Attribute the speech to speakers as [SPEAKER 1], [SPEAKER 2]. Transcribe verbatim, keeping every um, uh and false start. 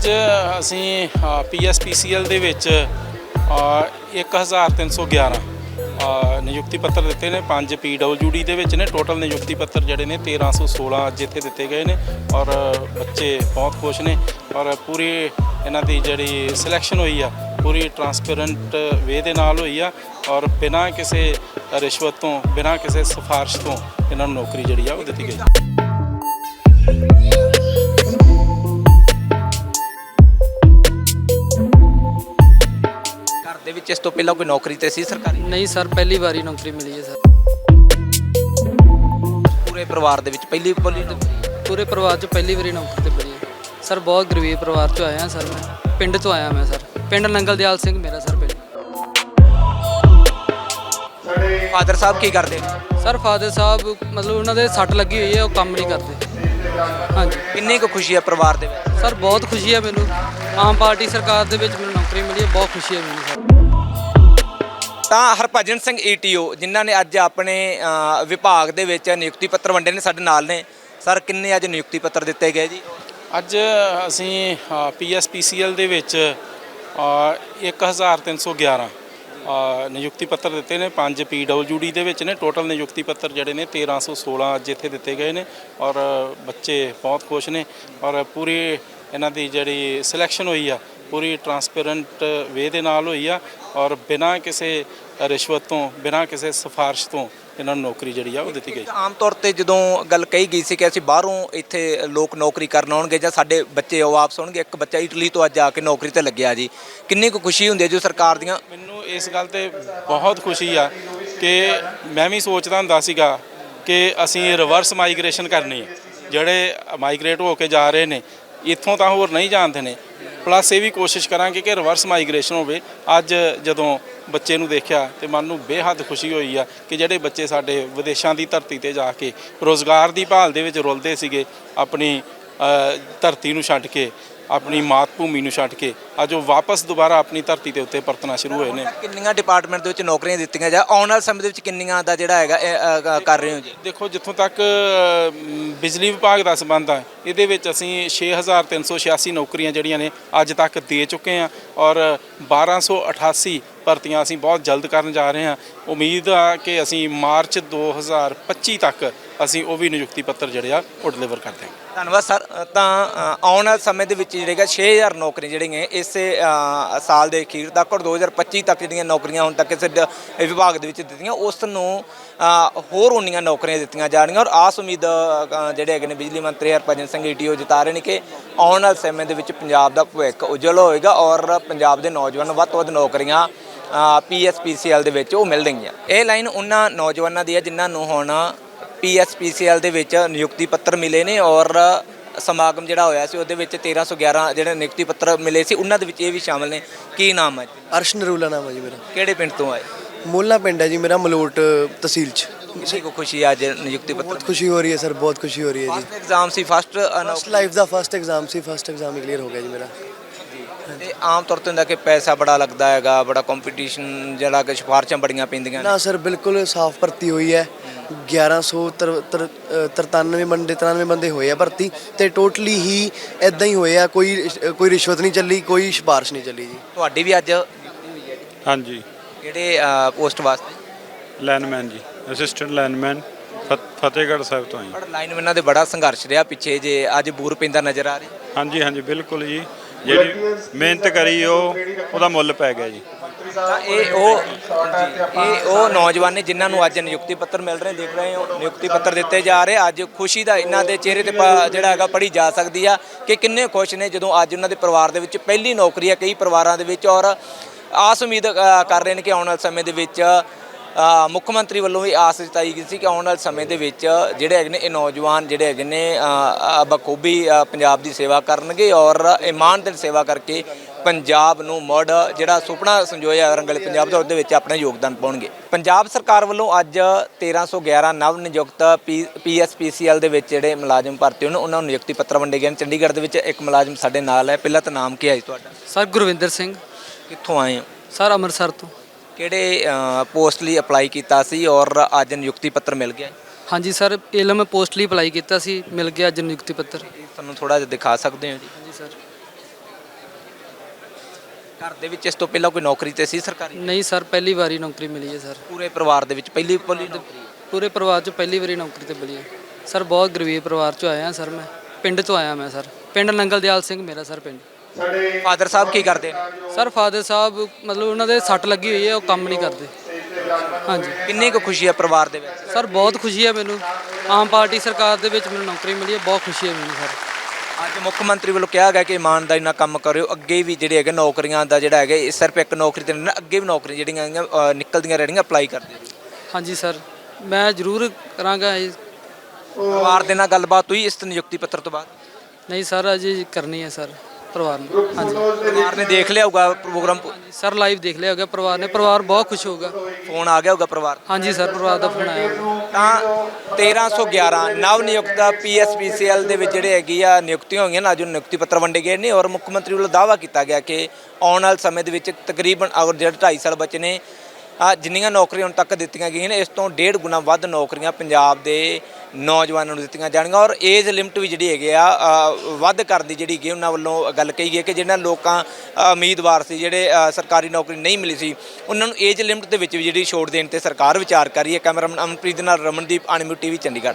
[SPEAKER 1] ਅੱਜ ਅਸੀਂ P S P ਸੀ L ਦੇ ਵਿੱਚ ਇੱਕ ਹਜ਼ਾਰ ਤਿੰਨ ਸੌ ਗਿਆਰਾਂ ਨਿਯੁਕਤੀ ਪੱਤਰ ਦਿੱਤੇ ਨੇ। ਪੰਜ ਪੀ ਡਬਲਯੂ ਡੀ ਦੇ ਵਿੱਚ ਨੇ। ਟੋਟਲ ਨਿਯੁਕਤੀ ਪੱਤਰ ਜਿਹੜੇ ਨੇ ਤੇਰ੍ਹਾਂ ਸੌ ਸੋਲ੍ਹਾਂ ਅੱਜ ਇੱਥੇ ਦਿੱਤੇ ਗਏ ਨੇ ਔਰ ਬੱਚੇ ਬਹੁਤ ਖੁਸ਼ ਨੇ ਔਰ ਪੂਰੀ ਇਹਨਾਂ ਦੀ ਜਿਹੜੀ ਸਿਲੈਕਸ਼ਨ ਹੋਈ ਆ ਪੂਰੀ ਟਰਾਂਸਪੇਰੈਂਟ ਵੇ ਦੇ ਨਾਲ ਹੋਈ ਆ ਔਰ ਬਿਨਾਂ ਕਿਸੇ ਰਿਸ਼ਵਤ ਤੋਂ ਬਿਨਾਂ ਕਿਸੇ ਸਿਫਾਰਿਸ਼ ਤੋਂ ਇਹਨਾਂ ਨੂੰ ਨੌਕਰੀ ਜਿਹੜੀ ਆ ਉਹ ਦਿੱਤੀ ਗਈ।
[SPEAKER 2] ਦੇ ਵਿੱਚ ਇਸ ਤੋਂ ਪਹਿਲਾਂ ਕੋਈ ਨੌਕਰੀ ਤੇ ਸੀ ਸਰਕਾਰੀ?
[SPEAKER 3] ਨਹੀਂ ਸਰ, ਪਹਿਲੀ ਵਾਰੀ ਨੌਕਰੀ ਮਿਲੀ ਹੈ ਸਰ।
[SPEAKER 2] ਪੂਰੇ ਪਰਿਵਾਰ ਦੇ ਵਿੱਚ ਪਹਿਲੀ ਪਹਿਲੀ
[SPEAKER 3] ਪੂਰੇ ਪਰਿਵਾਰ 'ਚ ਪਹਿਲੀ ਵਾਰੀ ਨੌਕਰੀ ਤੇ ਮਿਲੀ ਹੈ ਸਰ। ਬਹੁਤ ਗਰੀਬ ਪਰਿਵਾਰ 'ਚੋਂ ਆਇਆ ਸਰ। ਮੈਂ ਪਿੰਡ ਤੋਂ ਆਇਆ ਮੈਂ ਸਰ। ਪਿੰਡ ਨੰਗਲਦਿਆਲ ਸਿੰਘ ਮੇਰਾ ਸਰ ਪਿੰਡ।
[SPEAKER 2] ਫਾਦਰ ਸਾਹਿਬ ਕੀ ਕਰਦੇ ਨੇ?
[SPEAKER 3] ਸਰ ਫਾਦਰ ਸਾਹਿਬ ਮਤਲਬ ਉਹਨਾਂ ਦੇ ਸੱਟ ਲੱਗੀ ਹੋਈ ਹੈ, ਉਹ ਕੰਮ ਨਹੀਂ ਕਰਦੇ। ਹਾਂਜੀ।
[SPEAKER 2] ਕਿੰਨੀ ਕੁ ਖੁਸ਼ੀ ਹੈ ਪਰਿਵਾਰ ਦੇ ਵਿੱਚ?
[SPEAKER 3] ਸਰ ਬਹੁਤ ਖੁਸ਼ੀ ਹੈ ਮੈਨੂੰ। ਆਮ ਪਾਰਟੀ ਸਰਕਾਰ ਦੇ ਵਿੱਚ ਮੈਨੂੰ ਨੌਕਰੀ ਮਿਲੀ ਹੈ, ਬਹੁਤ ਖੁਸ਼ੀ ਹੈ ਮੈਨੂੰ ਸਰ।
[SPEAKER 2] ਤਾਂ Harbhajan Singh E T O ਜਿਨ੍ਹਾਂ ਨੇ ਅੱਜ ਆਪਣੇ ਵਿਭਾਗ ਦੇ ਵਿੱਚ ਨਿਯੁਕਤੀ ਪੱਤਰ ਵੰਡੇ ਨੇ, ਸਾਡੇ ਨਾਲ ਨੇ। ਸਰ ਕਿੰਨੇ ਅੱਜ ਨਿਯੁਕਤੀ ਪੱਤਰ ਦਿੱਤੇ ਗਏ ਜੀ?
[SPEAKER 1] ਅੱਜ ਅਸੀਂ ਪੀ ਐਸ ਪੀ ਸੀ ਐਲ ਦੇ ਵਿੱਚ ਇੱਕ ਹਜ਼ਾਰ ਤਿੰਨ ਸੌ ਗਿਆਰਾਂ ਨਿਯੁਕਤੀ ਪੱਤਰ ਦਿੱਤੇ ਨੇ। ਪੰਜ ਪੀ ਡਬਲਯੂ ਡੀ ਦੇ ਵਿੱਚ ਨੇ। ਟੋਟਲ ਨਿਯੁਕਤੀ ਪੱਤਰ ਜਿਹੜੇ ਨੇ ਤੇਰ੍ਹਾਂ ਸੌ ਸੋਲ੍ਹਾਂ ਅੱਜ ਇੱਥੇ ਦਿੱਤੇ ਗਏ ਨੇ ਔਰ ਬੱਚੇ ਬਹੁਤ ਖੁਸ਼ ਨੇ ਔਰ ਪੂਰੀ ਇਹਨਾਂ ਦੀ ਜਿਹੜੀ ਸਿਲੈਕਸ਼ਨ ਹੋਈ ਆ ਪੂਰੀ ਟਰਾਂਸਪੇਰੈਂਟ ਵੇ ਦੇ ਨਾਲ ਹੋਈ ਆ ਔਰ ਬਿਨਾਂ ਕਿਸੇ ਰਿਸ਼ਵਤ ਤੋਂ ਬਿਨਾਂ ਕਿਸੇ ਸਿਫਾਰਿਸ਼ ਤੋਂ ਇਹਨਾਂ ਨੂੰ ਨੌਕਰੀ ਜਿਹੜੀ ਆ ਉਹ ਦਿੱਤੀ ਗਈ।
[SPEAKER 2] ਆਮ ਤੌਰ ਤੇ ਜਦੋਂ ਗੱਲ ਕਹੀ ਗਈ ਸੀ ਕਿ ਅਸੀਂ ਬਾਹਰੋਂ ਇੱਥੇ ਲੋਕ ਨੌਕਰੀ ਕਰਨ ਆਉਣਗੇ ਜਾਂ ਸਾਡੇ ਬੱਚੇ ਉਹ ਵਾਪਸ ਆਉਣਗੇ, ਇੱਕ ਬੱਚਾ ਇਟਲੀ ਤੋਂ ਅੱਜ ਆ ਕੇ ਨੌਕਰੀ ਤੇ ਲੱਗਿਆ ਜੀ, ਕਿੰਨੀ ਕੁ ਖੁਸ਼ੀ ਹੁੰਦੀ ਹੈ ਜੋ ਸਰਕਾਰ ਦੀਆਂ?
[SPEAKER 1] ਮੈਨੂੰ ਇਸ ਗੱਲ ਤੇ ਬਹੁਤ ਖੁਸ਼ੀ ਆ ਕਿ ਮੈਂ ਵੀ ਸੋਚਦਾ ਹੁੰਦਾ ਸੀਗਾ ਕਿ ਅਸੀਂ ਰਿਵਰਸ ਮਾਈਗ੍ਰੇਸ਼ਨ ਕਰਨੀ ਹੈ। ਜਿਹੜੇ ਮਾਈਗ੍ਰੇਟ ਹੋ ਕੇ ਜਾ ਰਹੇ ਨੇ ਇੱਥੋਂ ਤਾਂ ਹੋਰ ਨਹੀਂ ਜਾਣਦੇ ਨੇ, ਪਲੱਸ ਇਹ ਵੀ ਕੋਸ਼ਿਸ਼ ਕਰਾਂਗੇ ਕਿ ਰਿਵਰਸ ਮਾਈਗ੍ਰੇਸ਼ਨ ਹੋਵੇ। ਅੱਜ ਜਦੋਂ ਬੱਚੇ ਨੂੰ ਦੇਖਿਆ ਤੇ ਮਨ ਨੂੰ ਬੇਹੱਦ ਖੁਸ਼ੀ ਹੋਈ ਆ ਕਿ ਜਿਹੜੇ ਬੱਚੇ ਸਾਡੇ ਵਿਦੇਸ਼ਾਂ ਦੀ ਧਰਤੀ ਤੇ ਜਾ ਕੇ ਰੋਜ਼ਗਾਰ ਦੀ ਭਾਲ ਦੇ ਵਿੱਚ ਰੁਲਦੇ ਸੀਗੇ, ਆਪਣੀ ਧਰਤੀ ਨੂੰ ਛੱਡ ਕੇ ਆਪਣੀ ਮਾਤ ਭੂਮੀ ਨੂੰ ਛੱਡ ਕੇ ਅੱਜ ਉਹ ਵਾਪਸ ਦੁਬਾਰਾ ਆਪਣੀ ਧਰਤੀ ਦੇ ਉੱਤੇ ਪਰਤਣਾ ਸ਼ੁਰੂ ਹੋਏ ਨੇ।
[SPEAKER 2] ਕਿੰਨੀਆਂ ਡਿਪਾਰਟਮੈਂਟ ਦੇ ਵਿੱਚ ਨੌਕਰੀਆਂ ਦਿੱਤੀਆਂ ਜਾਂ ਆਉਣ ਵਾਲੇ ਸਮੇਂ ਦੇ ਵਿੱਚ ਕਿੰਨੀਆਂ ਦਾ ਜਿਹੜਾ ਹੈਗਾ ਕਰ ਰਹੇ ਹੋ ਜੀ?
[SPEAKER 1] ਦੇਖੋ, ਜਿੱਥੋਂ ਤੱਕ ਬਿਜਲੀ ਵਿਭਾਗ ਦਾ ਸੰਬੰਧ ਆ ਇਹਦੇ ਵਿੱਚ ਅਸੀਂ ਛੇ ਹਜ਼ਾਰ ਤਿੰਨ ਸੌ ਛਿਆਸੀ ਨੌਕਰੀਆਂ ਜਿਹੜੀਆਂ ਨੇ ਅੱਜ ਤੱਕ ਦੇ ਚੁੱਕੇ ਹਾਂ ਔਰ ਬਾਰ੍ਹਾਂ ਸੌ ਅਠਾਸੀ ਭਰਤੀਆਂ ਅਸੀਂ ਬਹੁਤ ਜਲਦ ਕਰਨ ਜਾ ਰਹੇ ਹਾਂ। ਉਮੀਦ ਆ ਕਿ ਅਸੀਂ ਮਾਰਚ ਦੋ ਹਜ਼ਾਰ ਪੱਚੀ ਤੱਕ ਅਸੀਂ ਉਹ ਵੀ ਨਿਯੁਕਤੀ ਪੱਤਰ ਜਿਹੜੇ ਆ ਉਹ ਡਿਲੀਵਰ ਕਰ ਦਿਆਂਗੇ। ਧੰਨਵਾਦ
[SPEAKER 2] ਸਰ। ਤਾਂ ਆਉਣ ਵਾਲੇ ਸਮੇਂ ਦੇ ਵਿੱਚ ਜਿਹੜੇਗਾ ਛੇ ਹਜ਼ਾਰ ਨੌਕਰੀਆਂ ਜਿਹੜੀਆਂ ਇਸੇ ਸਾਲ ਦੇ ਅਖੀਰ ਤੱਕ ਔਰ ਦੋ ਹਜ਼ਾਰ ਪੱਚੀ ਤੱਕ ਜਿਹੜੀਆਂ ਨੌਕਰੀਆਂ ਹੁਣ ਤੱਕ ਇਸ ਵਿਭਾਗ ਦੇ ਵਿੱਚ ਦਿੱਤੀਆਂ, ਉਸ ਨੂੰ ਹੋਰ ਉਨੀਆਂ ਨੌਕਰੀਆਂ ਦਿੱਤੀਆਂ ਜਾਣਗੀਆਂ ਔਰ ਆਸ ਉਮੀਦ ਜਿਹੜੇ ਹੈਗੇ ਨੇ ਬਿਜਲੀ ਮੰਤਰੀ Harbhajan Singh E T O ਜਤਾ ਰਹੇ ਨੇ ਕਿ ਆਉਣ ਵਾਲੇ ਸਮੇਂ ਦੇ ਵਿੱਚ ਪੰਜਾਬ ਦਾ ਭਵਿੱਖ ਉਜਵਲ ਹੋਏਗਾ ਔਰ ਪੰਜਾਬ ਦੇ ਨੌਜਵਾਨ ਵੱਧ ਤੋਂ ਵੱਧ ਨੌਕਰੀਆਂ ਪੀ ਐਸ ਪੀ ਸੀ ਐਲ ਦੇ ਵਿੱਚ ਉਹ ਮਿਲ ਰਹੀਆਂ। ਇਹ ਲਾਈਨ ਉਹਨਾਂ ਨੌਜਵਾਨਾਂ ਦੀ ਹੈ ਜਿਨ੍ਹਾਂ ਨੂੰ ਹੁਣ ਪੀ ਐਸ ਪੀ ਸੀ ਐਲ ਦੇ ਵਿੱਚ ਨਿਯੁਕਤੀ ਪੱਤਰ ਮਿਲੇ ਨੇ ਔਰ ਸਮਾਗਮ ਜਿਹੜਾ ਹੋਇਆ ਸੀ ਉਹਦੇ ਵਿੱਚ ਤੇਰ੍ਹਾਂ ਸੌ ਗਿਆਰਾਂ ਜਿਹੜੇ ਨਿਯੁਕਤੀ ਪੱਤਰ ਮਿਲੇ ਸੀ ਉਹਨਾਂ ਦੇ ਵਿੱਚ ਇਹ ਵੀ ਸ਼ਾਮਲ ਨੇ। ਕੀ ਨਾਮ ਹੈ?
[SPEAKER 4] ਅਰਸ਼ ਨਰੂਲਾ ਨਾਮ ਹੈ ਜੀ ਮੇਰਾ।
[SPEAKER 2] ਕਿਹੜੇ ਪਿੰਡ ਤੋਂ ਆਏ?
[SPEAKER 4] ਮੋਲਾ ਪਿੰਡ ਹੈ ਜੀ ਮੇਰਾ, ਮਲੋਟ ਤਹਿਸੀਲ 'ਚ।
[SPEAKER 2] ਕਿਸੇ ਕੋ ਖੁਸ਼ੀ ਅੱਜ ਨਿਯੁਕਤੀ ਪੱਤਰ?
[SPEAKER 4] ਬਹੁਤ ਖੁਸ਼ੀ ਹੋ ਰਹੀ ਹੈ ਸਰ, ਬਹੁਤ ਖੁਸ਼ੀ ਹੋ ਰਹੀ ਹੈ ਜੀ।
[SPEAKER 2] ਫਸਟ ਐਗਜ਼ਾਮ ਸੀ? ਫਸਟ
[SPEAKER 4] ਫਸਟ ਲਾਈਫ ਦਾ ਫਸਟ ਐਗਜ਼ਾਮ ਸੀ। ਫਸਟ ਐਗਜ਼ਾਮ ਕਲੀਅਰ ਹੋ ਗਿਆ ਜੀ ਮੇਰਾ।
[SPEAKER 2] ਤੇ ਆਮ ਤੌਰ ਤੇ ਹੁੰਦਾ ਕਿ ਪੈਸਾ ਬੜਾ ਲੱਗਦਾ ਹੈਗਾ, ਬੜਾ ਕੰਪੀਟੀਸ਼ਨ ਜਿਹੜਾ ਕਿ ਸਿਫਾਰਸ਼ਾਂ ਬੜੀਆਂ ਪੈਂਦੀਆਂ
[SPEAKER 4] ਨਾ ਸਰ, ਬਿਲਕੁਲ ਸਾਫ਼ ਭਰਤੀ ਹੋਈ ਹੈ। ਗਿਆਰਾਂ ਸੌ ਤਰਤਾਨਵੇਂ ਬੰਦੇ ਤਰਾਨਵੇਂ ਬੰਦੇ ਹੋਏ ਆ ਭਰਤੀ ਤੇ ਟੋਟਲੀ ਹੀ ਇੱਦਾਂ ਹੀ ਹੋਏ ਆ। ਕੋਈ ਕੋਈ ਰਿਸ਼ਵਤ ਨਹੀਂ ਚੱਲੀ, ਕੋਈ ਸਿਫਾਰਿਸ਼ ਨਹੀਂ ਚੱਲੀ ਜੀ।
[SPEAKER 2] ਤੁਹਾਡੀ ਵੀ ਅੱਜ?
[SPEAKER 5] ਹਾਂਜੀ।
[SPEAKER 2] ਕਿਹੜੇ ਪੋਸਟ ਵਾਸਤੇ?
[SPEAKER 5] ਲਾਈਨਮੈਨ ਜੀ, ਅਸਿਸਟੈਂਟ ਲਾਈਨਮੈਨ, ਫਤਿਹਗੜ੍ਹ ਸਾਹਿਬ ਤੋਂ ਆਏ।
[SPEAKER 2] ਪਰ ਲਾਈਨਮੈਨਾਂ ਦੇ ਬੜਾ ਸੰਘਰਸ਼ ਰਿਹਾ ਪਿੱਛੇ, ਜੇ ਅੱਜ ਬੂਰ ਪੈਂਦਾ ਨਜ਼ਰ ਆ ਰਿਹਾ?
[SPEAKER 5] ਹਾਂਜੀ ਹਾਂਜੀ ਬਿਲਕੁਲ ਜੀ, ਜਿਹੜੀ ਮਿਹਨਤ ਕਰੀ ਉਹ ਉਹਦਾ ਮੁੱਲ ਪੈ ਗਿਆ ਜੀ।
[SPEAKER 2] ਤਾਂ ਇਹ ਉਹ ਇਹ ਉਹ ਨੌਜਵਾਨ ਨੇ ਜਿਨ੍ਹਾਂ ਨੂੰ ਅੱਜ ਨਿਯੁਕਤੀ ਪੱਤਰ ਮਿਲ ਰਹੇ, ਦੇਖ ਰਹੇ ਹੋ ਨਿਯੁਕਤੀ ਪੱਤਰ ਦਿੱਤੇ ਜਾ ਰਹੇ। ਅੱਜ ਖੁਸ਼ੀ ਦਾ ਇਹਨਾਂ ਦੇ ਚਿਹਰੇ ਤੇ ਜਿਹੜਾ ਹੈਗਾ ਪੜ੍ਹੀ ਜਾ ਸਕਦੀ ਆ ਕਿ ਕਿੰਨੇ ਖੁਸ਼ ਨੇ ਜਦੋਂ ਅੱਜ ਉਹਨਾਂ ਦੇ ਪਰਿਵਾਰ ਦੇ ਵਿੱਚ ਪਹਿਲੀ ਨੌਕਰੀ ਹੈ ਕਈ ਪਰਿਵਾਰਾਂ ਦੇ ਵਿੱਚ ਔਰ ਆਸ ਉਮੀਦ ਕਰ ਰਹੇ ਨੇ ਕਿ ਆਉਣ ਵਾਲੇ ਸਮੇਂ ਦੇ ਵਿੱਚ ਮੁੱਖ ਮੰਤਰੀ ਵੱਲੋਂ ਵੀ ਆਸ ਜਤਾਈ ਗਈ ਸੀ ਕਿ ਆਉਣ ਵਾਲੇ ਸਮੇਂ ਦੇ ਵਿੱਚ ਜਿਹੜੇ ਹੈਗੇ ਨੇ ਇਹ ਨੌਜਵਾਨ ਜਿਹੜੇ ਹੈਗੇ ਨੇ ਬਖੂਬੀ ਪੰਜਾਬ ਦੀ ਸੇਵਾ ਕਰਨਗੇ ਔਰ ਇਮਾਨਦਾਰ ਸੇਵਾ ਕਰਕੇ ਪੰਜਾਬ ਨੂੰ ਮੁੜ ਜਿਹੜਾ ਸੁਪਨਾ ਸੰਜੋਇਆ ਰੰਗਲੇ ਪੰਜਾਬ ਦਾ ਉਹਦੇ ਵਿੱਚ ਆਪਣਾ ਯੋਗਦਾਨ ਪਾਉਣਗੇ। ਪੰਜਾਬ ਸਰਕਾਰ ਵੱਲੋਂ ਅੱਜ ਤੇਰ੍ਹਾਂ ਸੌ ਗਿਆਰਾਂ ਨਵ ਨਿਯੁਕਤ ਪੀ ਐਸ ਪੀ ਸੀ ਐਲ ਦੇ ਵਿੱਚ ਜਿਹੜੇ ਮੁਲਾਜ਼ਮ ਭਰਤੀ ਹੋਣ ਉਹਨਾਂ ਨੂੰ ਨਿਯੁਕਤੀ ਪੱਤਰ ਵੰਡੇ ਗਏ ਨੇ। ਚੰਡੀਗੜ੍ਹ ਦੇ ਵਿੱਚ ਇੱਕ ਮੁਲਾਜ਼ਮ ਸਾਡੇ ਨਾਲ ਹੈ। ਪਹਿਲਾਂ ਤਾਂ ਨਾਮ ਕੀ ਹੈ ਜੀ ਤੁਹਾਡਾ?
[SPEAKER 3] ਸਰ ਗੁਰਵਿੰਦਰ ਸਿੰਘ।
[SPEAKER 2] ਕਿੱਥੋਂ ਆਏ ਹੋ?
[SPEAKER 3] ਸਰ ਅੰਮ੍ਰਿਤਸਰ ਤੋਂ।
[SPEAKER 2] ਕਿਹੜੇ ਪੋਸਟ ਲਈ ਅਪਲਾਈ ਕੀਤਾ ਸੀ ਔਰ ਅੱਜ ਨਿਯੁਕਤੀ ਪੱਤਰ ਮਿਲ ਗਿਆ?
[SPEAKER 3] ਹਾਂਜੀ ਸਰ, ਇਲਮ ਪੋਸਟ ਲਈ ਅਪਲਾਈ ਕੀਤਾ ਸੀ, ਮਿਲ ਗਿਆ ਅੱਜ ਨਿਯੁਕਤੀ ਪੱਤਰ।
[SPEAKER 2] ਤੁਹਾਨੂੰ ਥੋੜਾ ਜਿਹਾ ਦਿਖਾ ਸਕਦੇ ਹੋ ਜੀ?
[SPEAKER 3] ਹਾਂਜੀ ਸਰ।
[SPEAKER 2] ਘਰ ਦੇ ਵਿੱਚ ਇਸ ਤੋਂ ਪਹਿਲਾਂ ਕੋਈ ਨੌਕਰੀ ਤੇ ਸੀ ਸਰਕਾਰੀ?
[SPEAKER 3] ਨਹੀਂ ਸਰ, ਪਹਿਲੀ ਵਾਰੀ ਨੌਕਰੀ ਮਿਲੀ ਹੈ ਸਰ।
[SPEAKER 2] ਪੂਰੇ ਪਰਿਵਾਰ ਦੇ ਵਿੱਚ ਪਹਿਲੀ ਪਹਿਲੀ ਨੌਕਰੀ ਹੈ।
[SPEAKER 3] ਪੂਰੇ ਪਰਿਵਾਰ 'ਚ ਪਹਿਲੀ ਵਾਰੀ ਨੌਕਰੀ ਤੇ ਮਿਲੀ ਹੈ ਸਰ। ਬਹੁਤ ਗਰੀਬ ਪਰਿਵਾਰ 'ਚੋਂ ਆਇਆ ਸਰ ਮੈਂ। ਪਿੰਡ ਤੋਂ ਆਇਆ ਮੈਂ ਸਰ। ਪਿੰਡ ਨੰਗਲਦਿਆਲ ਸਿੰਘ ਮੇਰਾ ਸਰ ਪਿੰਡ।
[SPEAKER 2] ਫਾਦਰ ਸਾਹਿਬ ਕੀ ਕਰਦੇ ਨੇ?
[SPEAKER 3] ਸਰ ਫਾਦਰ ਸਾਹਿਬ ਮਤਲਬ ਉਹਨਾਂ ਦੇ ਸੱਟ ਲੱਗੀ ਹੋਈ ਹੈ, ਉਹ ਕੰਮ ਨਹੀਂ ਕਰਦੇ। ਹਾਂਜੀ।
[SPEAKER 2] ਕਿੰਨੀ ਕੁ ਖੁਸ਼ੀ ਹੈ ਪਰਿਵਾਰ ਦੇ ਵਿੱਚ?
[SPEAKER 3] ਸਰ ਬਹੁਤ ਖੁਸ਼ੀ ਹੈ ਮੈਨੂੰ। ਆਮ ਪਾਰਟੀ ਸਰਕਾਰ ਦੇ ਵਿੱਚ ਮੈਨੂੰ ਨੌਕਰੀ ਮਿਲੀ ਹੈ, ਬਹੁਤ ਖੁਸ਼ੀ ਹੈ ਮੈਨੂੰ ਸਰ।
[SPEAKER 2] ਅੱਜ ਮੁੱਖ ਮੰਤਰੀ ਵੱਲੋਂ ਕਿਹਾ ਗਿਆ ਕਿ ਇਮਾਨਦਾਰੀ ਨਾਲ ਕੰਮ ਕਰਿਓ, ਅੱਗੇ ਵੀ ਜਿਹੜੇ ਹੈਗੇ ਨੌਕਰੀਆਂ ਦਾ ਜਿਹੜਾ ਹੈਗਾ ਇਹ ਸਿਰਫ ਇੱਕ ਨੌਕਰੀ ਤੇ ਨਹੀਂ ਨਾ, ਅੱਗੇ ਵੀ ਨੌਕਰੀਆਂ ਜਿਹੜੀਆਂ ਹੈਗੀਆਂ, ਅ, ਨਿਕਲਦੀਆਂ ਰਹਿਣਗੀਆਂ, ਅਪਲਾਈ ਕਰਦੇ ਰਹੋ।
[SPEAKER 3] ਹਾਂਜੀ ਸਰ, ਮੈਂ ਜ਼ਰੂਰ ਕਰਾਂਗਾ ਇਹ।
[SPEAKER 2] ਪਰਿਵਾਰ ਦੇ ਨਾਲ ਗੱਲਬਾਤ ਹੋਈ ਇਸ ਨਿਯੁਕਤੀ ਪੱਤਰ ਤੋਂ ਬਾਅਦ?
[SPEAKER 3] ਨਹੀਂ ਸਰ, ਅਜੇ ਕਰਨੀ ਹੈ ਸਰ ਪਰਿਵਾਰ ਨੂੰ। ਹਾਂਜੀ
[SPEAKER 2] ਪਰਿਵਾਰ ਨੇ ਦੇਖ ਲਿਆ ਹੋਊਗਾ ਪ੍ਰੋਗਰਾਮ,
[SPEAKER 3] ਹਾਂਜੀ ਸਰ, ਲਾਈਵ ਦੇਖ ਲਿਆ ਹੋਗਾ ਪਰਿਵਾਰ ਨੇ। ਪਰਿਵਾਰ ਬਹੁਤ ਖੁਸ਼ ਹੋਊਗਾ।
[SPEAKER 2] ਫੋਨ ਆ ਗਿਆ ਹੋਊਗਾ ਪਰਿਵਾਰ?
[SPEAKER 3] ਹਾਂਜੀ ਸਰ, ਪਰਿਵਾਰ ਦਾ ਫੋਨ ਆਇਆ ਹੋਊਗਾ।
[SPEAKER 2] ਤਾਂ ਤੇਰਾਂ ਸੌ ਗਿਆਰਾਂ ਨਵ ਨਿਯੁਕਤਾ ਪੀ ਐਸ ਪੀ ਸੀ ਐਲ ਦੇ ਵਿੱਚ ਜਿਹੜੇ ਹੈਗੀ ਆ ਨਿਯੁਕਤੀਆਂ ਹੋਈਆਂ ਨੇ। ਅੱਜ ਉਹ ਨਿਯੁਕਤੀ ਪੱਤਰ ਵੰਡੇ ਗਏ ਨੇ ਔਰ ਮੁੱਖ ਮੰਤਰੀ ਵੱਲੋਂ ਦਾਅਵਾ ਕੀਤਾ ਗਿਆ ਕਿ ਆਉਣ ਵਾਲੇ ਸਮੇਂ ਦੇ ਵਿੱਚ ਤਕਰੀਬਨ ਔਰ ਜਿਹੜੇ ਢਾਈ ਸਾਲ ਬਚੇ ਨੇ, ਆ ਜਿੰਨੀਆਂ ਨੌਕਰੀਆਂ ਹੁਣ ਤੱਕ ਦਿੱਤੀਆਂ ਗਈਆਂ ਨੇ ਇਸ ਤੋਂ ਡੇਢ ਗੁਣਾ ਵੱਧ ਨੌਕਰੀਆਂ ਪੰਜਾਬ ਦੇ ਨੌਜਵਾਨਾਂ ਨੂੰ ਦਿੱਤੀਆਂ ਜਾਣਗੀਆਂ। ਔਰ ਏਜ ਲਿਮਟ ਵੀ ਜਿਹੜੀ ਹੈਗੇ ਆ ਅ, ਵੱਧ ਕਰਨ ਦੀ ਜਿਹੜੀ ਹੈਗੀ ਉਹਨਾਂ ਵੱਲੋਂ ਗੱਲ ਕਹੀ ਗਈ ਕਿ ਜਿਹਨਾਂ ਲੋਕਾਂ ਅ, ਉਮੀਦਵਾਰ ਸੀ ਜਿਹੜੇ ਅ, ਸਰਕਾਰੀ ਨੌਕਰੀ ਨਹੀਂ ਮਿਲੀ ਸੀ, ਉਹਨਾਂ ਨੂੰ ਏਜ ਲਿਮਟ ਦੇ ਵਿੱਚ ਵੀ ਜਿਹੜੀ ਛੋਟ ਦੇਣ ਤੇ ਸਰਕਾਰ ਵਿਚਾਰ ਕਰ ਰਹੀ ਹੈ। ਕੈਮਰਾਮੈਨ ਅਮਨਪ੍ਰੀਤ ਦੇ ਨਾਲ ਰਮਨਦੀਪ, ਅਣਮਿਊਟ ਟੀਵੀ ਚੰਡੀਗੜ੍ਹ।